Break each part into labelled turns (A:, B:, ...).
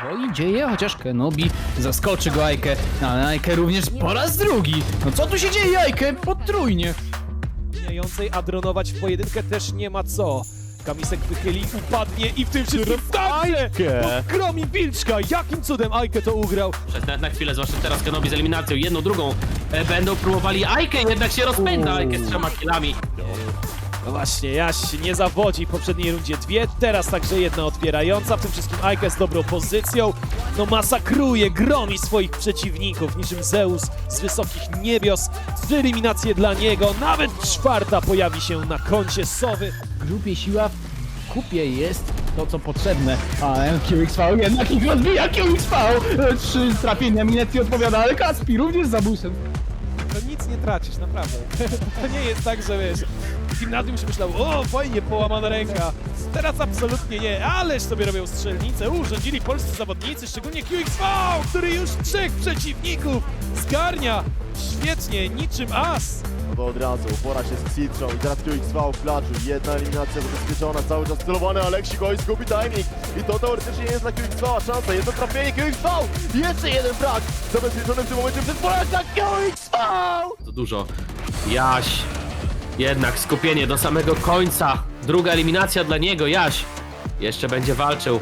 A: powoli dzieje, chociaż Kenobi zaskoczy go Ajkę, ale Ajkę również po raz drugi. No co tu się dzieje, Ajkę? Potrójnie.
B: Mijającej, a dronować w pojedynkę też nie ma co. Kamisek wychyli, upadnie i w tym wszystkim także gromi Wilczka. Jakim cudem Ajkę to ugrał?
C: Przez na chwilę, zwłaszcza teraz Kenobi z eliminacją, jedną, drugą będą próbowali Ajkę, jednak się rozpędza Ajkę z 3 killami.
B: No właśnie, Jaś nie zawodzi w poprzedniej rundzie 2, teraz także jedna otwierająca, w tym wszystkim Ajkę z dobrą pozycją. No masakruje, gromi swoich przeciwników, niczym Zeus z wysokich niebios. 3 eliminacje dla niego, nawet 4 pojawi się na koncie Sowy.
A: W grupie siła, w kupie jest to, co potrzebne. Ale QXV jednak ich rozbija, QXV! 3 trafienia, Minetti odpowiada, ale Kaspi również za busem.
B: To nic nie tracisz, naprawdę. To nie jest tak, że wiesz, w gimnazjum się myślał, o fajnie, połamana ręka. Teraz absolutnie nie, ależ sobie robią strzelnicę. Urządzili polscy zawodnicy, szczególnie QXV, który już 3 przeciwników zgarnia. Świetnie, niczym as.
D: No to od razu, pora się z Xitrą i teraz QXV w klaczu. Jedna eliminacja zabezpieczona, cały czas celowany, Aleksik oj zgubi timing. I to teoretycznie jest dla QXV szansa, jedno trafienie QXV! Jeszcze jeden frag zabezpieczony w tym momencie przez Polaka QXV!
C: To dużo. Jaś. Jednak skupienie do samego końca. Druga eliminacja dla niego, Jaś. Jeszcze będzie walczył.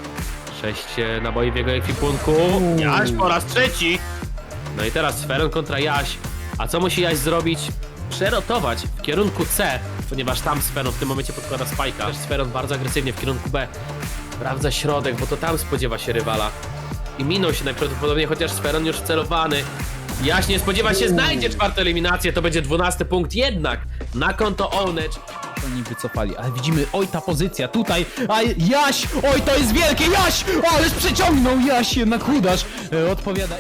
C: 6 naboi w jego ekwipunku. Jaś po raz 3. No i teraz Sferon kontra Jaś. A co musi Jaś zrobić? Przerotować w kierunku C, ponieważ tam Sferon w tym momencie podkłada spajka. Też Sferon bardzo agresywnie w kierunku B. Sprawdza środek, bo to tam spodziewa się rywala. I minął się najprawdopodobniej, chociaż Sferon już celowany. Jaś nie spodziewa się, znajdzie 4 eliminację, to będzie 12 punkt jednak na konto Ownage.
A: Oni wycofali, ale widzimy, oj ta pozycja tutaj, a Jaś, oj to jest wielkie, Jaś, ależ przeciągnął, Jaś jednak chudasz, odpowiada.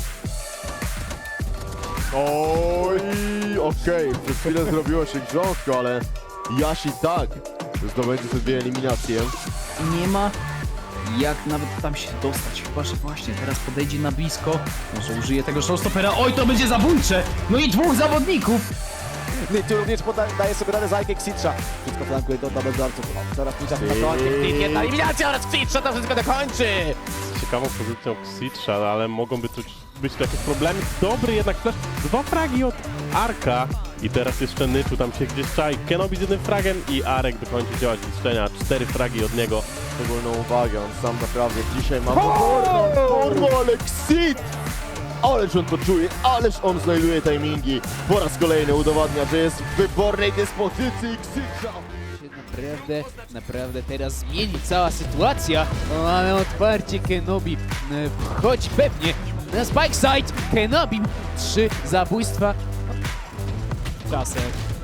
D: Oj, okej, przez chwilę zrobiło się grząsko, ale Jaś i tak zdobędzie te 2 eliminacje.
A: Nie ma jak nawet tam się dostać, chyba że właśnie teraz podejdzie na blisko, może użyje tego showstoppera, oj to będzie zabójcze, no i 2 zawodników.
E: Tu również daje sobie radę za Ajkę Xitra. Wszystko flankuje do tabeldarców. Teraz Xitrza na końcu. Jedna eliminacja oraz Xitra to wszystko dokończy.
F: Ciekawą pozycją Xitrza, ale mogą być tu jakieś problemy. Dobry jednak flash. 2 fragi od Arka. I teraz jeszcze Nyczu tam się gdzieś czai. Kenobi z 1 fragiem i Arek dokończy działać zniszczenia. 4 fragi od niego.
D: Szczególną uwagę, on sam naprawdę dzisiaj ma formę, ale Xit! Ależ on to czuje, ależ on znajduje timingi. Po raz kolejny udowadnia, że jest w wybornej dyspozycji Xitra.
G: Naprawdę teraz zmieni cała sytuacja. Mamy otwarcie Kenobi. Wchodzi pewnie na spike side. Kenobi 3 zabójstwa.
B: Czasem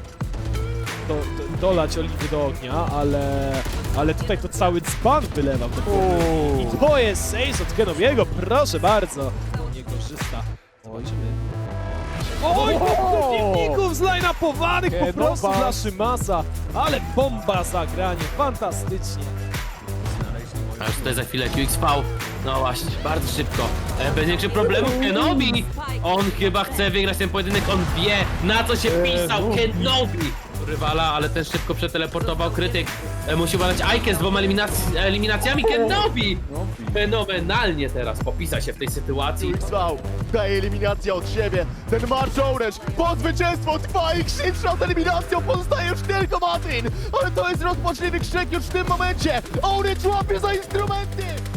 B: dolać oliwy do ognia, ale tutaj to cały dzban wylewał. I to jest ace od Kenobiego, proszę bardzo. Nie korzysta. Zobaczymy. Oj, przeciwników zline-upowanych po prostu dla Szymasa, ale bomba zagranie, fantastycznie.
C: A już tutaj za chwilę QXV. No właśnie, bardzo szybko. Bez większych problemów Kenobi. On chyba chce wygrać ten pojedynek, on wie na co się pisał. Kenobi rywala, ale też szybko przeteleportował krytyk. Musi badać Ajkę z 2 eliminacjami. Kenobi fenomenalnie teraz popisał się w tej sytuacji.
D: QXV daje eliminację od siebie. Ten marsz Orange po zwycięstwo trwa i Xit przed eliminacją pozostaje już tylko Martin. Ale to jest rozpaczliwy krzyk już w tym momencie. Orange łapie za instrumenty.